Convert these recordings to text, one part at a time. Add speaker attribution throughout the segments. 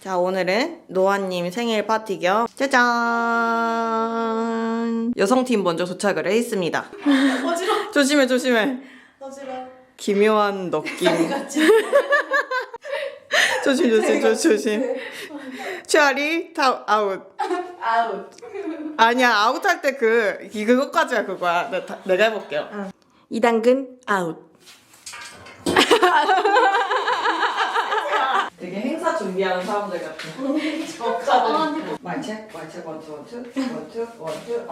Speaker 1: 자, 오늘은 노아님 생일 파티 겸 짜잔! 여성팀 먼저 도착을 했습니다.
Speaker 2: 어지러워.
Speaker 1: 조심해, 조심해.
Speaker 2: 어지러워.
Speaker 1: 기묘한 느낌. 조심. 최아리 아웃.
Speaker 2: 아웃.
Speaker 1: 아니야, 아웃할 때 그것까지야 그거야. 내가 해볼게요. 이당근 아웃. 되게 행사 준비하는 사람들 같아. 말책, 원투,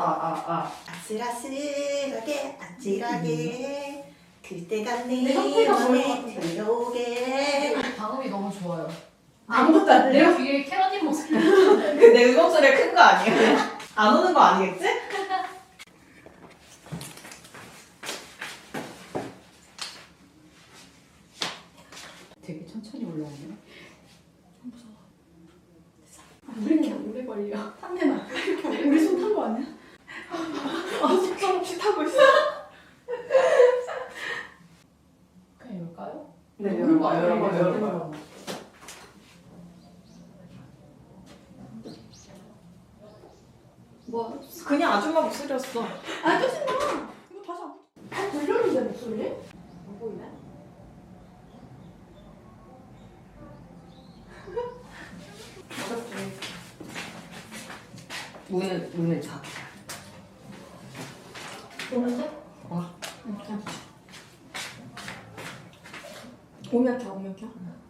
Speaker 2: 아찔하게 그때가
Speaker 3: 내
Speaker 2: 내
Speaker 3: 상태가
Speaker 2: 맘에 들어오게.
Speaker 3: 방음이 너무 좋아요.
Speaker 2: 아무것도 안
Speaker 3: 내
Speaker 2: 돼요?
Speaker 3: 귀에 캐러딘 목소리.
Speaker 1: 내 목소리가 큰 거 아니야? 안 오는 거 아니겠지?
Speaker 3: 되게 천천히 올라오네. 무서워. 왜 이렇게 오래 걸려?
Speaker 2: 탐내나. 우리 손 탄 거 아니야? 속절없이 타고 있어.
Speaker 3: 그냥 열까요?
Speaker 1: 네, 열어봐.
Speaker 2: 뭐?
Speaker 1: 그냥 아줌마 목소리였어.
Speaker 2: 아 짜증나. 이거 다시 안 들렸는데 목소리? 안 보이네.
Speaker 1: 문을 닫아.
Speaker 2: 오는데?
Speaker 1: 와.
Speaker 2: 오면 켜.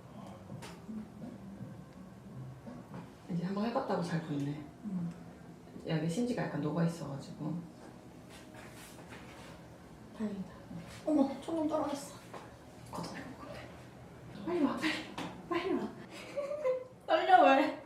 Speaker 1: 이제 한번 해봤다고 잘 붙네. 여기 심지가 약간 녹아있어가지고.
Speaker 2: 다행이다. 어머, 천둥 떨어졌어.
Speaker 1: 걷어내는 건데.
Speaker 2: 빨리 와. 떨려 왜?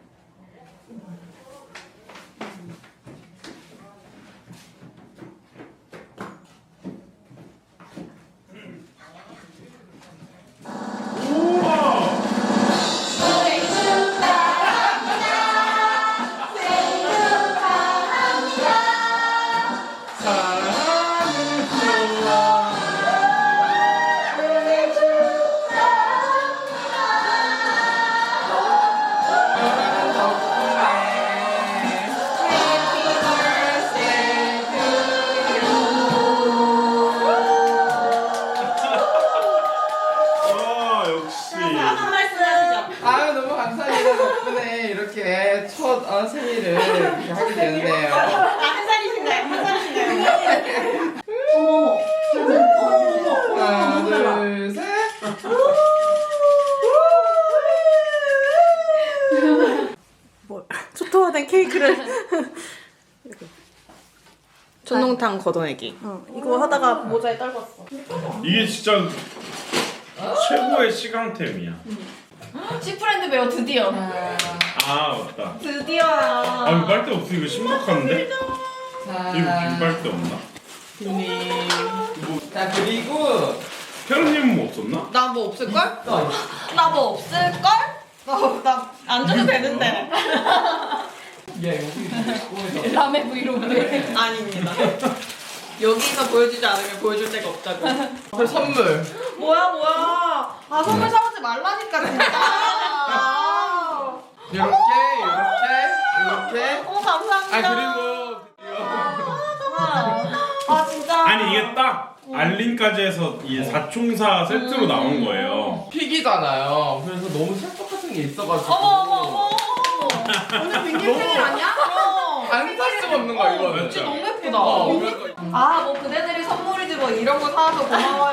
Speaker 4: 역시.
Speaker 2: 한 말씀 하시죠.
Speaker 5: 아유 너무 감사합니다. 덕분에 이렇게 첫 생일을 이렇게 하게 되는데요.
Speaker 2: 한 살이신가요? 어머.
Speaker 5: 하나 둘 셋.
Speaker 1: 초토화된 케이크를. 촌농탕 걷어내기.
Speaker 2: 이거 하다가 모자에 떨궜어.
Speaker 4: 이게 진짜 최고의 시강템이야.
Speaker 2: 시프렌드 배워 드디어.
Speaker 4: 아 맞다.
Speaker 2: 드디어야.
Speaker 4: 아 이거 빨대 없어. 이거 심각한데?
Speaker 5: 자,
Speaker 4: 이거 빈 빨대 없나?
Speaker 5: 님. 자 그리고
Speaker 4: 태연님은 뭐 없었나?
Speaker 1: 나 뭐 없을걸?
Speaker 5: 또
Speaker 1: 나 뭐 없을걸? 나 안 줘도 되는데.
Speaker 5: 야 이거
Speaker 3: 라메 브이로그.
Speaker 1: 아닙니다. 여기서 보여주지 않으면 보여줄 데가 없다고.
Speaker 5: 그 선물.
Speaker 1: 뭐야. 아, 선물 사오지 말라니까, 진짜.
Speaker 5: 이렇게.
Speaker 1: 어머, 감사합니다.
Speaker 5: 그리고
Speaker 1: 아, 진짜.
Speaker 4: 아니 이게 딱 알림까지 해서 이 사총사 세트로 나온 거예요.
Speaker 5: 픽이잖아요. 그래서 너무 찰떡 같은 게 있어가지고.
Speaker 1: 어머.
Speaker 2: 오늘 빈님 생일 아니야?
Speaker 5: 안 살 수가 없는 거야 이거는.
Speaker 4: 진짜 너무
Speaker 1: 예쁘다.
Speaker 5: 그래서
Speaker 1: 아, 뭐 그대들이 선물이지 뭐 이런 거 사와서 고마워요.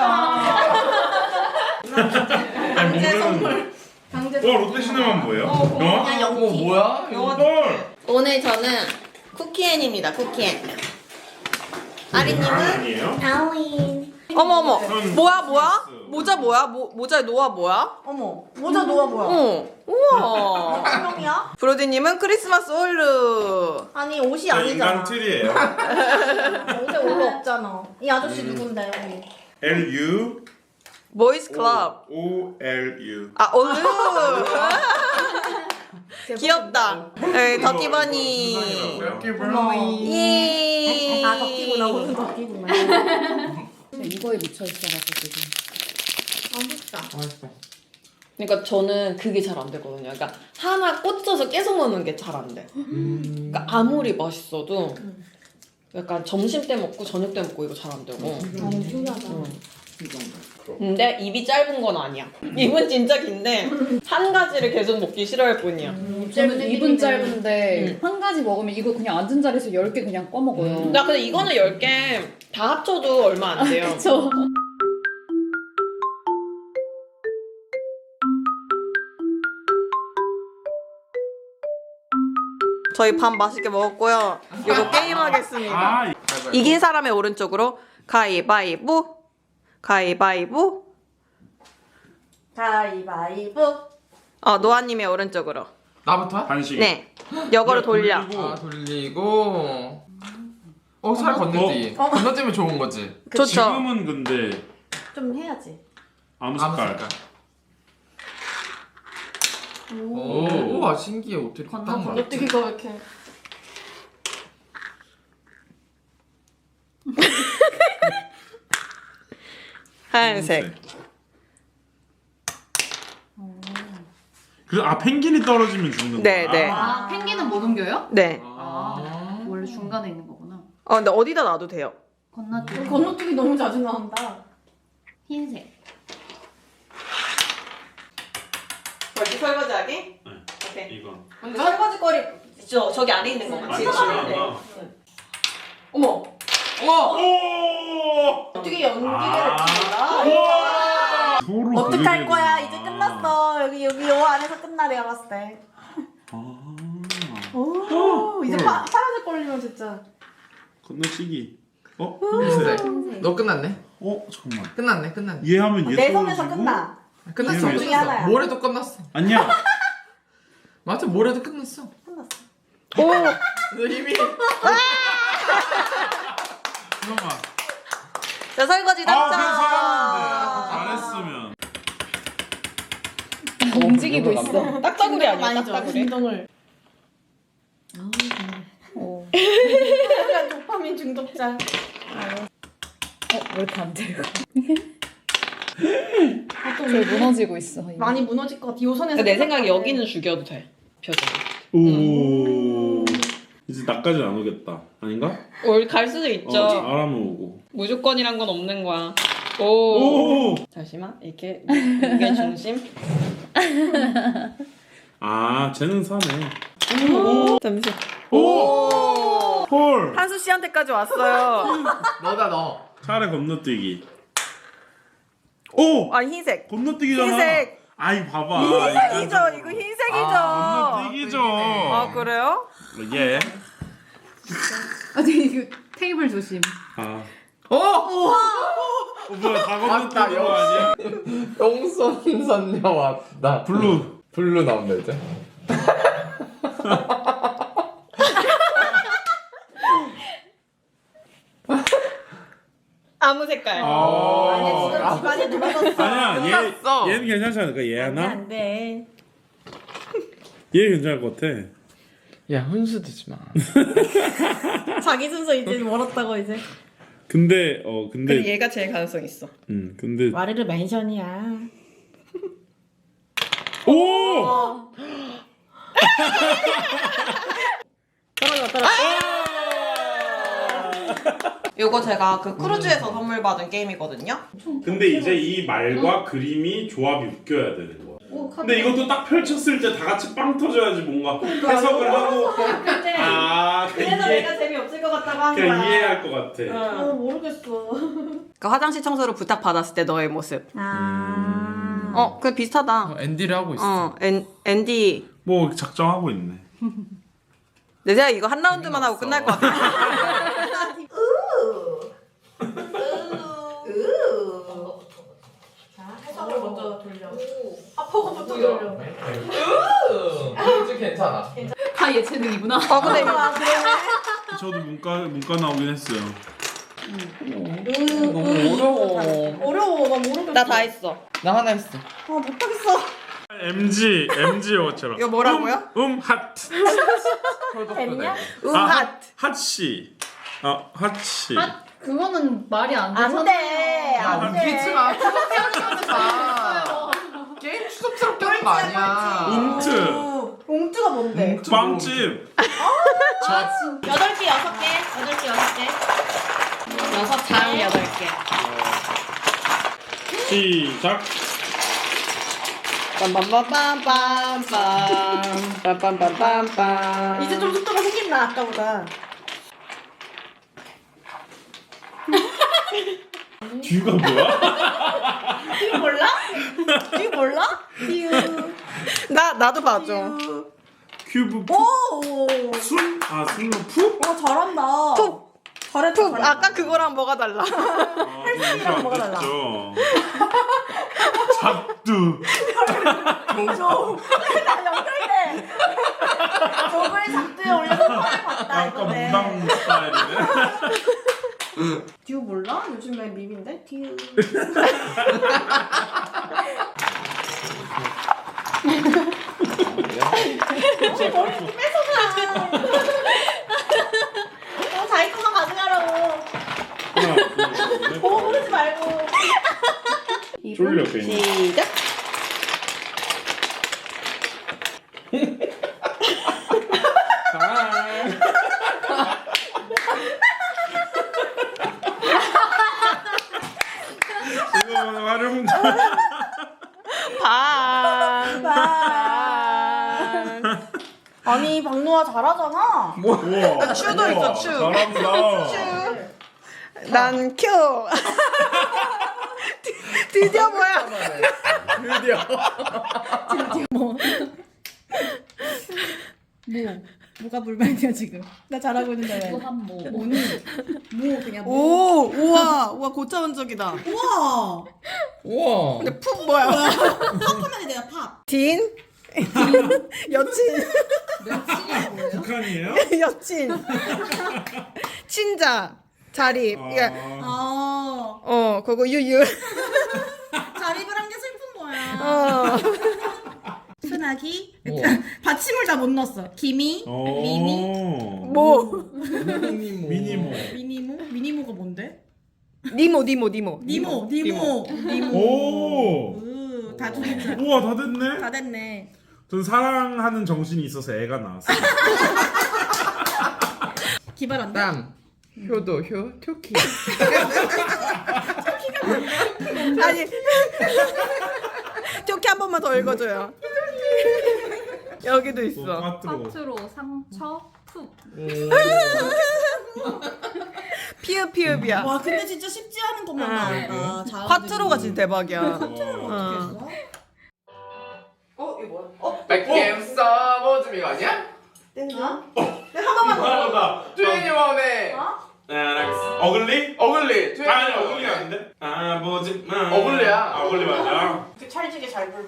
Speaker 4: 아니
Speaker 1: 제
Speaker 4: 오늘은
Speaker 1: 선물.
Speaker 4: 롯데시네마는 뭐예요? 영화?
Speaker 5: 어머 뭐야? 이거
Speaker 4: 헐!
Speaker 1: 오늘 저는 쿠키앤입니다, 쿠키앤. 아리님은?
Speaker 4: 아니에요?
Speaker 2: 하우인.
Speaker 1: 어머. 뭐야?
Speaker 4: 크리스마스.
Speaker 1: 모자 뭐야? 모자에 노아 뭐야?
Speaker 2: 어머. 모자 놓아 뭐야?
Speaker 1: 우와.
Speaker 2: 분명이야?
Speaker 1: 브로디님은 크리스마스 홀루.
Speaker 2: 아니 옷이
Speaker 4: 저
Speaker 2: 아니잖아.
Speaker 4: 인간 틀이에요.
Speaker 2: 옷에 올로 없잖아. 이 아저씨 누군데 여기?
Speaker 4: L-U
Speaker 1: 보이스 클럽.
Speaker 4: O-L-U
Speaker 1: 아, 홀루. 귀엽다. 네, 덕기버니.
Speaker 4: 이렇게
Speaker 1: 예.
Speaker 2: 아 덕기구나 오늘 덕기구나.
Speaker 3: 이거에 묻혀 있어가지고 지금.
Speaker 2: 아 맛있다.
Speaker 5: 맛있다.
Speaker 1: 그러니까 저는 그게 잘 안 되거든요. 그러니까 하나 꽂혀서 계속 먹는 게 잘 안 돼. 그러니까 아무리 맛있어도 약간 점심 때 먹고 저녁 때 먹고 이거 잘 안 되고.
Speaker 2: 신기하다.
Speaker 1: 근데 입이 짧은 건 아니야. 입은 진짜 긴데 한 가지를 계속 먹기 싫어할 뿐이야.
Speaker 3: 저는 입은 짧은데 한 가지 먹으면 이거 그냥 앉은 자리에서 10개 그냥 꺼먹어요.
Speaker 1: 나 근데 이거는 10개 다 합쳐도 얼마 안 돼요.
Speaker 3: 그쵸.
Speaker 1: 저희 밥 맛있게 먹었고요. 이거 게임하겠습니다.
Speaker 4: 아,
Speaker 1: 이긴 사람의 오른쪽으로 가위바위보, 가위바위보, 가위바위보. 노아님의 오른쪽으로.
Speaker 5: 나부터?
Speaker 4: 반씩.
Speaker 1: 네, 이거를 돌려.
Speaker 5: 아 돌리고. 살 건너뛰기. 건너뛰면 좋은 거지.
Speaker 1: 좋죠.
Speaker 4: 지금은 근데
Speaker 2: 좀 해야지.
Speaker 4: 아무
Speaker 5: 아무
Speaker 4: 색깔.
Speaker 5: 색깔. 오, 신기해. 어떻게 딱 맞지?
Speaker 2: 건너뛰기가 왜 이렇게.
Speaker 1: 하얀색.
Speaker 4: 펭귄이 떨어지면 죽는 거야.
Speaker 1: 네, 네.
Speaker 3: 아, 펭귄은 못 옮겨요?
Speaker 1: 네.
Speaker 3: 원래 중간에 있는 거구나.
Speaker 1: 근데 어디다 놔도 돼요.
Speaker 3: 건너뛰기.
Speaker 2: 건너뛰기 너무 자주 나온다.
Speaker 3: 흰색.
Speaker 1: 벌써 설거지하기?
Speaker 4: 네.
Speaker 1: 오케이.
Speaker 4: 이거.
Speaker 1: 근데 설거지거리 저기 안에 있는 거 같이
Speaker 4: 많아.
Speaker 1: 어머.
Speaker 4: 오!
Speaker 2: 어떻게 연기를
Speaker 4: 아.
Speaker 2: 몰라?
Speaker 4: 서로
Speaker 2: 어떡할
Speaker 4: 그게
Speaker 2: 거야?
Speaker 4: 되는구나.
Speaker 2: 이제 끝났어. 여기 요 안에서 끝나 내가 봤을 때. 오, 이제 파란색 걸리면 진짜.
Speaker 4: 건너뛰기.
Speaker 5: 흰색. 너 끝났네?
Speaker 4: 잠깐만.
Speaker 5: 끝났네.
Speaker 4: 얘하면 얘
Speaker 2: 내 손에서
Speaker 4: 떨어지고.
Speaker 2: 끝나.
Speaker 5: 끝났어.
Speaker 4: 둘
Speaker 2: 중에 하나야.
Speaker 5: 모레도 끝났어.
Speaker 4: 아니야.
Speaker 5: 맞아, 모레도 끝났어.
Speaker 2: 끝났어.
Speaker 1: 오.
Speaker 5: 너 이미.
Speaker 4: 잠깐만.
Speaker 1: 자, 설거지
Speaker 4: 그래서
Speaker 1: 당첨.
Speaker 4: 잘했으면.
Speaker 3: 움직이고 있어.
Speaker 1: 딱따구리 아니야?
Speaker 2: 많이 줘.
Speaker 1: 딱따구리.
Speaker 2: 진동을.
Speaker 3: 어.
Speaker 2: 약간 도파민 중독자.
Speaker 3: 왜 이렇게 안 돼요? 저희 무너지고 있어. 이미.
Speaker 2: 많이 무너질 것 같아. 요 선에서.
Speaker 1: 내 생각에 여기는 죽여도 돼. 표정.
Speaker 4: 오. 이제 나까지 안 오겠다. 아닌가?
Speaker 1: 갈 수도 있죠.
Speaker 4: 잘하면 오고.
Speaker 1: 무조건이란 건 없는 거야. 오.
Speaker 4: 오.
Speaker 1: 잠시만. 이렇게 무게 중심.
Speaker 4: 쟤는 사네.
Speaker 1: 잠시.
Speaker 4: 오. 헐.
Speaker 1: 한수 씨한테까지 왔어요.
Speaker 5: 너다 너.
Speaker 4: 차례 건너뛰기. 오.
Speaker 1: 흰색.
Speaker 4: 건너뛰기잖아.
Speaker 1: 흰색.
Speaker 4: 아이 봐봐.
Speaker 1: 흰색이죠. 이거 흰색이죠.
Speaker 4: 건너뛰기죠.
Speaker 1: 그래요?
Speaker 4: 예.
Speaker 3: 이거 테이블 조심.
Speaker 4: 뭐야 다
Speaker 5: 맞다,
Speaker 4: 건너뛰는 거 아니야?
Speaker 5: 용선 선녀 왔다. 블루 나온다 이제.
Speaker 1: 아무 색깔.
Speaker 2: 아니 지금 집안에 누가 떴어?
Speaker 4: 아니야
Speaker 5: 끝났어.
Speaker 4: 얘는 괜찮지 않을까? 얘 하나?
Speaker 2: 안 돼.
Speaker 4: 얘 괜찮을 것 같아.
Speaker 5: 야 훈수 두지 마.
Speaker 2: 자기 순서 이제 멀었다고 이제.
Speaker 4: 근데
Speaker 1: 근데 얘가 제일 가능성 있어.
Speaker 4: 근데
Speaker 2: 와르르 맨션이야.
Speaker 4: 오!
Speaker 1: 떨어져. 요거 제가 그 크루즈에서 선물 받은 게임이거든요.
Speaker 4: 근데 이제 이 말과 그림이 조합이 웃겨야 되는 거야. 근데 이것도 딱 펼쳤을 때 다 같이 빵 터져야지 뭔가 해석을 하고
Speaker 2: 그래서 내가 재미없을 것 같다고 한
Speaker 4: 그냥
Speaker 2: 거야.
Speaker 4: 이해할 것 같아.
Speaker 2: 모르겠어.
Speaker 1: 그 화장실 청소를 부탁 받았을 때 너의 모습. 그 비슷하다.
Speaker 5: 앤디를 하고 있어.
Speaker 1: 앤디.
Speaker 4: 뭐 작정하고 있네.
Speaker 1: 내 생각에 이거 한 라운드만 하고 끝날 것 같아.
Speaker 2: 자, 해석을 먼저 돌려. 아퍼거부터 돌려.
Speaker 5: 이제 괜찮아.
Speaker 3: 다 예체능이구나.
Speaker 1: 근데 이거
Speaker 4: 저도 문과 나오긴 했어요.
Speaker 5: 너무 어려워.
Speaker 2: 어려워. 나 모르겠어.
Speaker 1: 나 다 했어.
Speaker 5: 나 하나 했어.
Speaker 2: 못하겠어.
Speaker 4: MG 영어처럼.
Speaker 1: 이거 뭐라고요?
Speaker 4: 하트.
Speaker 2: 됐냐?
Speaker 4: 핫씨. 핫씨.
Speaker 3: 그거는 말이 안 돼.
Speaker 2: 안 돼.
Speaker 5: 야
Speaker 2: 안
Speaker 5: 웃기지
Speaker 2: 돼.
Speaker 5: 마. 투정하지 마. 게임 추접스럽게 하는 거 아니야.
Speaker 4: 웅트.
Speaker 2: 옹트가 뭔데?
Speaker 4: 빵집.
Speaker 1: 8개, 6개. 8개, 6개. 6장 8개.
Speaker 4: 시작.
Speaker 1: 빰빰빰빰빰빰. 빰빰빰빰빰.
Speaker 2: 이제 좀 속도가 생긴다 아까보다.
Speaker 4: 듀가 뭐야?
Speaker 2: 듀 몰라? 듀 몰라? 듀.
Speaker 1: 나도 봐줘.
Speaker 4: 큐브
Speaker 2: 오.
Speaker 4: 순? 아 순로 푸?
Speaker 2: 와 잘한다.
Speaker 1: 푹.
Speaker 2: 잘했다.
Speaker 1: 푹.
Speaker 2: 잘했다.
Speaker 1: 아까 그거랑 뭐가 달라?
Speaker 4: 헬스이랑
Speaker 2: 뭐가 달라?
Speaker 4: 작두.
Speaker 2: 나 연결돼. 저걸 작두에 올려서 처음 봤다
Speaker 4: 아까
Speaker 2: 이거네.
Speaker 4: 무당 스타일이네.
Speaker 2: 듀 몰라? 요즘에 밈인데? 듀. 자기 것만 가져가라고.
Speaker 4: 하나, 둘, 셋.
Speaker 2: 보고 부르지 말고.
Speaker 4: 졸려 괜히.
Speaker 1: 시작.
Speaker 4: 이거 활용.
Speaker 1: 방.
Speaker 2: 아니 박노아 잘하잖아.
Speaker 4: 우와.
Speaker 1: 슈도 있어, 슈.
Speaker 4: 잘한다.
Speaker 1: 난 큐. 드디어 뭐야?
Speaker 5: 드디어.
Speaker 2: 뭐가 불만이야 지금? 나 잘하고 있는데 왜?
Speaker 3: 또한뭐
Speaker 2: 뭐 그냥
Speaker 1: 오, 우와, 고차원적이다.
Speaker 2: 우와.
Speaker 5: 우와.
Speaker 1: 근데 푹 뭐야?
Speaker 2: 팝하면 내가 팝.
Speaker 1: 딘? 여친?
Speaker 4: 북한이에요?
Speaker 1: 여친. 친자. 자립. 이게
Speaker 2: 아
Speaker 1: 그거 유유.
Speaker 2: 자립을 한 게 슬픈 거야. 순하기.
Speaker 5: 우와.
Speaker 2: 받침을 다 못 넣었어. 기미, 미니,
Speaker 1: 뭐?
Speaker 5: 미니모.
Speaker 2: 미니모가 뭔데?
Speaker 1: 니모.
Speaker 2: 니모.
Speaker 4: 오.
Speaker 2: 다 됐네.
Speaker 4: 우와 다 됐네.
Speaker 2: 다 됐네.
Speaker 4: 전 사랑하는 정신이 있어서 애가 나왔어.
Speaker 2: 기발한데?
Speaker 5: 땀. 효도 효. 토끼.
Speaker 1: 아니. 좋게 한 번만 더 읽어줘요. 여기도 있어.
Speaker 4: 까트로.
Speaker 3: 파트로 상처 푹.
Speaker 1: 피읍이야.
Speaker 2: 와 근데 진짜 쉽지 않은 것만 나왔다. 잘하는
Speaker 1: 콰트로가 진짜 대박이야.
Speaker 2: 어떻게 했어?
Speaker 5: 백겜 서버즘 이거 아니야?
Speaker 2: 땡나?
Speaker 4: 이상하다.
Speaker 5: 트웬티원의
Speaker 4: 어글리?
Speaker 5: 어글리.
Speaker 4: 아니 어글리 아닌데? 아버지 마.
Speaker 5: 어글리야.
Speaker 4: 어글리 맞아.
Speaker 2: 찰지게 잘 불러.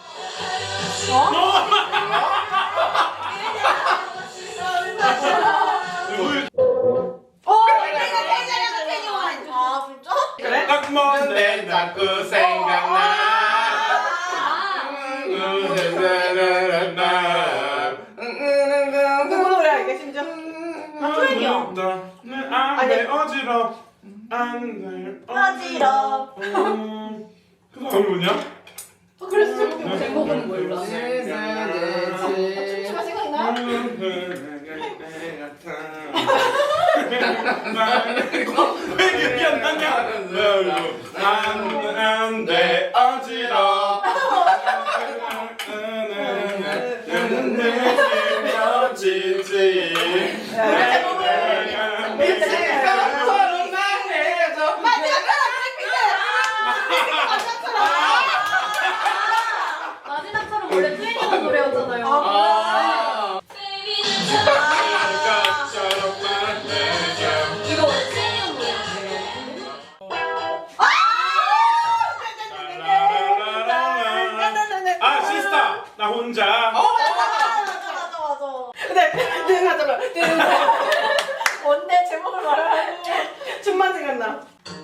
Speaker 2: 아 진짜?
Speaker 5: 그래?
Speaker 4: 딱 먼데
Speaker 5: 근데 자꾸 생각나.
Speaker 2: 누구 노래야 이게 심지어? 트웬이요.
Speaker 4: 내 안돼 어지러. 안돼
Speaker 2: 어지러.
Speaker 4: 그 사람 뭐냐?
Speaker 2: 그래서 제목
Speaker 3: 제목은 몰라.
Speaker 2: 춤추가 생각나?
Speaker 4: 왜 기억이 안 나냐? 안돼 어지러. 지지.
Speaker 3: 마지막처럼 원래 트웬티원 노래였잖아요. 이거 원래 트웬티원 노래였어요.
Speaker 4: 아 시스타 나 혼자.
Speaker 2: 맞아. 근데 하잖아. 뭔데 제목을 말하라고. 춤만 생각나.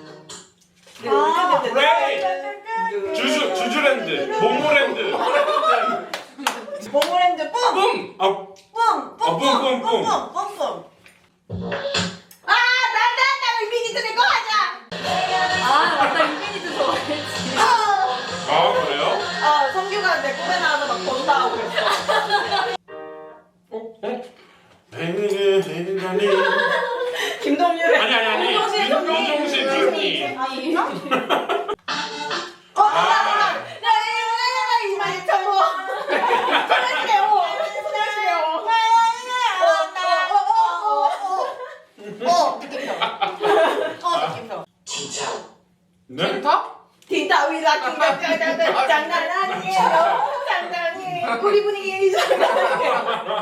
Speaker 4: 레이 주주랜드 모모랜드.
Speaker 2: 모모랜드 뿜!
Speaker 5: 뿜.
Speaker 4: 아
Speaker 2: 뿜!
Speaker 4: 뿜.
Speaker 2: 나 인피니트 내거 하자!
Speaker 3: 아 맞다 인피니트 좋아했지.
Speaker 4: 아 그래요?
Speaker 2: 선물
Speaker 1: 내 꿈에 나와서 막 본다 하고 있어. 김동률의
Speaker 4: 아니 윤종신 언니. 네?
Speaker 1: 딘타위라 장난 아니에요. 장난이에요. 우리 분위기 장난이에요.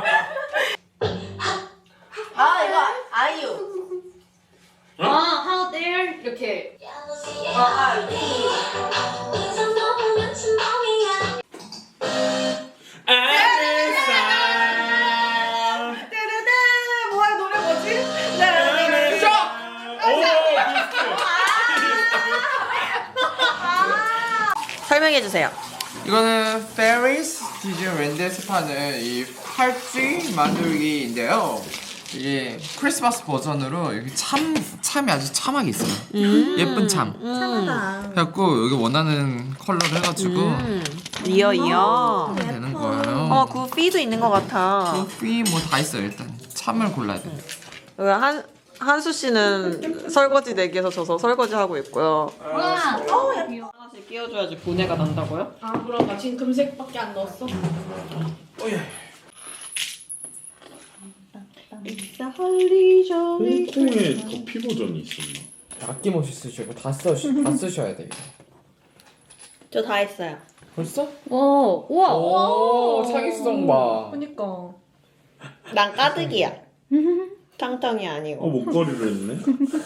Speaker 1: 아 이거 아이유.
Speaker 3: How dare 이렇게.
Speaker 1: 뜨르르 뭐야 노래 뭐지? 설명해 주세요.
Speaker 5: 이거는 페리스 디즈니랜드에서 파는 이 팔찌 만들기인데요. 이게 크리스마스 버전으로 여기 참이 아주 참하게 있어요. 예쁜 참.
Speaker 1: 참하다.
Speaker 5: 그래갖고 여기 원하는 컬러를 해가지고
Speaker 1: 이어.
Speaker 5: 하면 되는 거예요.
Speaker 1: 그 피도 있는 것 같아.
Speaker 5: 커피 뭐 다 있어요. 일단 참을 골라야 돼.
Speaker 1: 한수 씨는 설거지 내기에서 져서 설거지 하고 있고요. 하나씩 끼워줘야지 분해가 난다고요?
Speaker 2: 아 그럼 나 지금 금색밖에 안 넣었어.
Speaker 4: 홍콩에 커피 버전이 있었나?
Speaker 5: 아낌없이 쓰시고 다 쓰셔야 돼요.
Speaker 1: 저 다 했어요.
Speaker 5: 벌써?
Speaker 3: 우와.
Speaker 5: 오, 창의성 봐.
Speaker 2: 그니까.
Speaker 1: 난 까득이야. 탕탕이 아니고.
Speaker 4: 목걸이를 했네.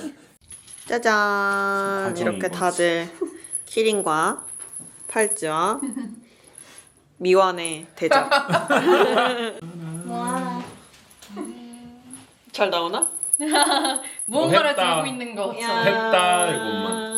Speaker 1: 짜잔.
Speaker 4: 가정인
Speaker 1: 이렇게
Speaker 4: 거지.
Speaker 1: 다들 키링과 팔찌와 미완의 대접.
Speaker 3: 와.
Speaker 1: 잘 나오나?
Speaker 3: 무언가를
Speaker 4: 했다.
Speaker 3: 들고 있는 거.
Speaker 1: 야.
Speaker 4: 했다 이것만.